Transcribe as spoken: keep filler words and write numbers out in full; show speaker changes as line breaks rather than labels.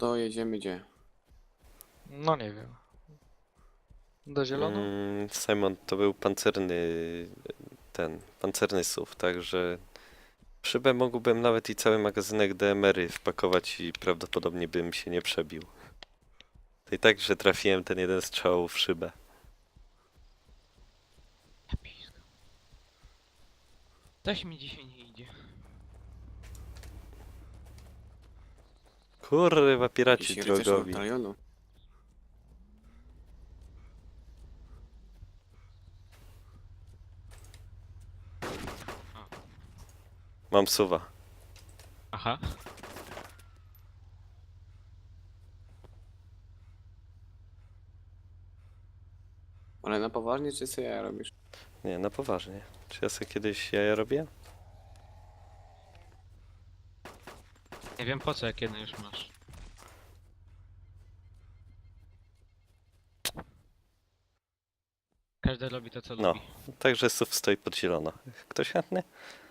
to jedziemy gdzie?
No nie wiem. Do zielono?
Mm, Simon, to był pancerny ten, pancerny S U V, także w szybę mógłbym nawet i cały magazynek D M R-y wpakować i prawdopodobnie bym się nie przebił. To i tak, że trafiłem ten jeden strzał w szybę.
Ja piska. Coś mi dzisiaj nie idzie.
Kurwa, piraci
Jakiś rycerz
drogowi.
batalionu.
Mam suwa.
Aha.
Ale na poważnie, czy co ja robisz?
Nie, na poważnie. Czy ja sobie kiedyś jaja robię?
Nie wiem po co, jak jeden już masz. Każdy robi to co
No.
lubi.
Także S U V stoi pod zielono. Ktoś chętny?